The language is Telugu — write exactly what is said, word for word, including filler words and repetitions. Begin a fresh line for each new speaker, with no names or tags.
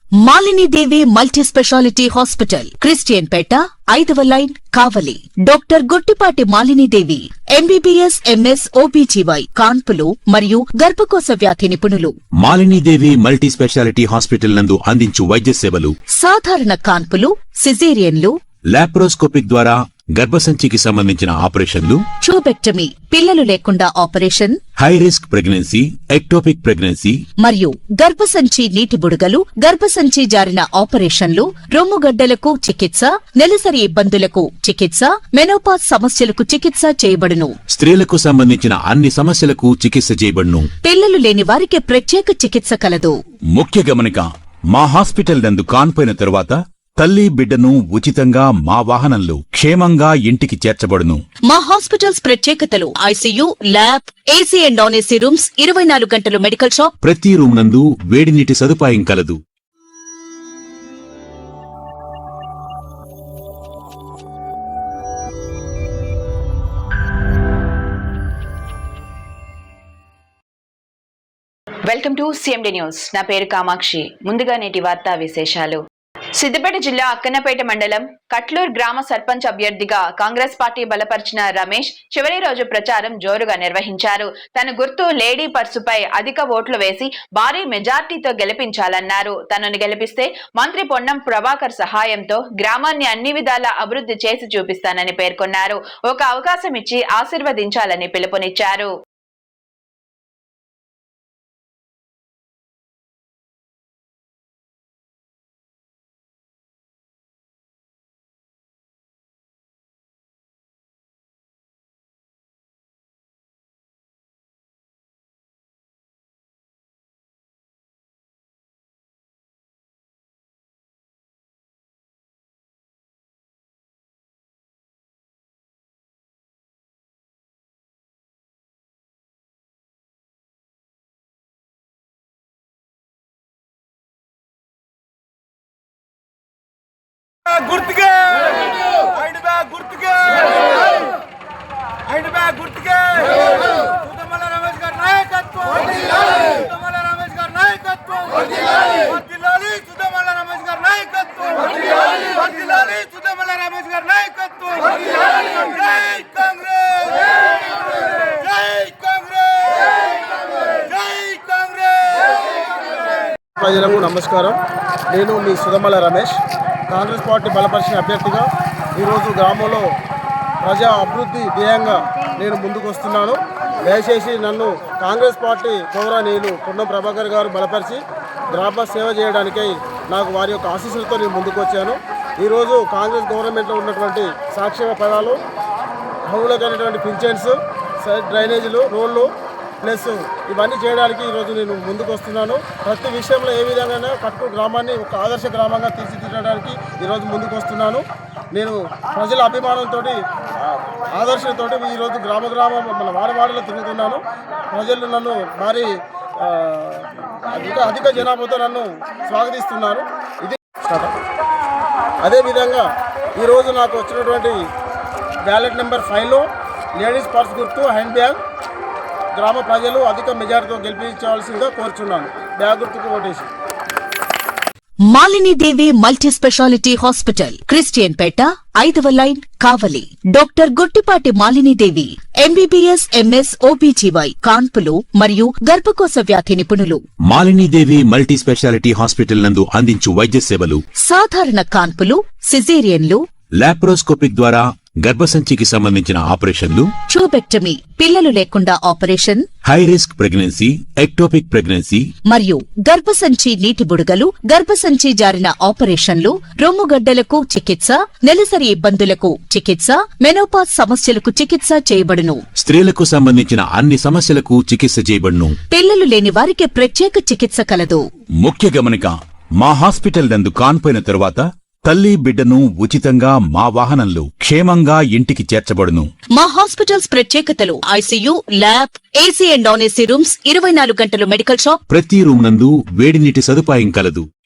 Malini Devi multi speciality hospital, Christian Peta, ఐదవ line, Kavali. Doctor Guttipati Malini Devi, MBBS, MS, OBGY, కాన్పులు మరియు గర్భకోశ వ్యాధి నిపుణులు.
Malini Devi multi speciality hospital నందు అందించు వైద్య సేవలు:
సాధారణ కాన్పులు, సిజేరియన్లు,
లాప్రోస్కోపిక్ ద్వారా గర్భసంచికి సంబంధించిన ఆపరేషన్లు,
ట్యూబెక్టమీ, పిల్లలు లేకుండా operation,
high risk pregnancy, ectopic pregnancy
మరియు గర్భసంచి నీటి బుడగలు, గర్భసంచి జారిన ఆపరేషన్లు, రొమ్ముగడ్డలకు చికిత్స, నెలసరి ఇబ్బందులకు చికిత్స, మెనోపాజ్ సమస్యలకు చికిత్స చేయబడును.
స్త్రీలకు సంబంధించిన అన్ని సమస్యలకు చికిత్స చేయబడును.
పిల్లలు లేని వారికి ప్రత్యేక చికిత్స కలదు.
ముఖ్య గమనిక: మా హాస్పిటల్ నందు కాన్పోయిన తరువాత తల్లి బిడ్డను ఉచితంగా మా వాహనంలో క్షేమంగా ఇంటికి చేర్చబడును.
మా హాస్పిటల్స్ ప్రత్యేకతలు: ICU, lab, AC and non AC rooms, ఇరవై నాలుగు గంటలు మెడికల్ షాప్,
ప్రతి రూమ్ నందు వేడి నీటి సదుపాయం కలదు.
Welcome to CMD news. నా పేరు కామాక్షి. ముందుగా నేటి వార్తా విశేషాలు. సిద్దిపేట జిల్లా అక్కన్నపేట మండలం కట్లూర్ గ్రామ సర్పంచ్ అభ్యర్థిగా కాంగ్రెస్ పార్టీ బలపరిచిన రమేష్ చివరి రోజు ప్రచారం జోరుగా నిర్వహించారు. తన గుర్తు లేడీ పర్సుపై అధిక ఓట్లు వేసి భారీ మెజార్టీతో గెలిపించాలన్నారు. తనను గెలిపిస్తే మంత్రి పొన్నం ప్రభాకర్ సహాయంతో గ్రామాన్ని అన్ని విధాలా అభివృద్ధి చేసి చూపిస్తానని పేర్కొన్నారు. ఒక అవకాశం ఇచ్చి ఆశీర్వదించాలని పిలుపునిచ్చారు.
గుర్తుకే ఐడ్ బ్యాగ్ గుర్తుకే ఐడ్ బ్యాగ్ గుర్తుకే సుధమల రమేష్ గారి నాయకత్వం వర్ధిల్లాలి. సుధమల రమేష్ గారి నాయకత్వం వర్ధిల్లాలి. వర్ధిల్లాలి సుధమల రమేష్ గారి నాయకత్వం వర్ధిల్లాలి. వర్ధిల్లాలి సుధమల రమేష్ గారి నాయకత్వం వర్ధిల్లాలి. జై కాంగ్రెస్, జై కాంగ్రెస్, జై కాంగ్రెస్.
ప్రజలకు నమస్కారం. నేను మీ సుధమల రమేష్, కాంగ్రెస్ పార్టీ బలపరిచిన అభ్యర్థిగా ఈరోజు గ్రామంలో ప్రజా అభివృద్ధి ధ్యేయంగా నేను ముందుకు వస్తున్నాను. దయచేసి నన్ను కాంగ్రెస్ పార్టీ గౌరవనీయులు పొన్నం ప్రభాకర్ గారు బలపరిచి గ్రామ సేవ చేయడానికై నాకు వారి యొక్క ఆశీస్సులతో నేను ముందుకు వచ్చాను. ఈరోజు కాంగ్రెస్ గవర్నమెంట్లో ఉన్నటువంటి సంక్షేమ పదాలు, హౌలకైనటువంటి పింఛన్స్, డ్రైనేజీలు, రోడ్లు ప్లస్ ఇవన్నీ చేయడానికి ఈరోజు నేను ముందుకు వస్తున్నాను. ప్రతి విషయంలో ఏ విధంగా కట్టు గ్రామాన్ని ఒక ఆదర్శ గ్రామంగా తీర్చిదిద్దడానికి ఈరోజు ముందుకు వస్తున్నాను. నేను ప్రజల అభిమానంతో, ఆదర్శంతో ఈరోజు గ్రామ గ్రామం మన వాడవాడలో తిరుగుతున్నాను. ప్రజలు నన్ను భారీ అధిక అధిక జనాభాతో నన్ను స్వాగతిస్తున్నారు. ఇది అదేవిధంగా ఈరోజు నాకు వచ్చినటువంటి బ్యాలెట్ నెంబర్ ఫైవ్లో లేడీస్ పర్స్ గుర్తు హ్యాండ్ బ్యాగ్ గ్రామ ప్రజలు అధిక మెజార్టీతో గెలిపించవలసిందిగా కోరుచున్నాను. బ్యాగ్ గుర్తుకు ఓటేసి.
Malini Devi multi speciality hospital, Christian Peta, ఐదవ line, Kavali. Doctor Guttipati Malini Devi, MBBS, MS, OBGY, కాన్పులు మరియు గర్భకోశ వ్యాధి నిపుణులు.
Malini Devi multi speciality hospital నందు అందించు వైద్య సేవలు:
సాధారణ కాన్పులు, సిజేరియన్లు,
లాప్రోస్కోపిక్ ద్వారా గర్భసంచికి సంబంధించిన ఆపరేషన్లు,
ట్యూబెక్టమీ, పిల్లలు లేకుండా operation,
high risk pregnancy, ectopic pregnancy
మరియు గర్భసంచి నీటి బుడగలు, గర్భసంచి జారిన ఆపరేషన్లు, రొమ్ముగడ్డలకు చికిత్స, నెలసరి ఇబ్బందులకు చికిత్స, మెనోపాజ్ సమస్యలకు చికిత్స చేయబడును.
స్త్రీలకు సంబంధించిన అన్ని సమస్యలకు చికిత్స చేయబడును.
పిల్లలు లేని వారికి ప్రత్యేక చికిత్స కలదు.
ముఖ్య గమనిక: మా హాస్పిటల్ నందు కాన్పోయిన తరువాత తల్లి బిడ్డను ఉచితంగా మా వాహనంలో క్షేమంగా ఇంటికి చేర్చబడును.
మా హాస్పిటల్స్ ప్రత్యేకతలు: ICU, lab, AC and non AC rooms, ఇరవై నాలుగు గంటలు మెడికల్ షాప్,
ప్రతి రూమ్ నందు వేడి నీటి సదుపాయం కలదు.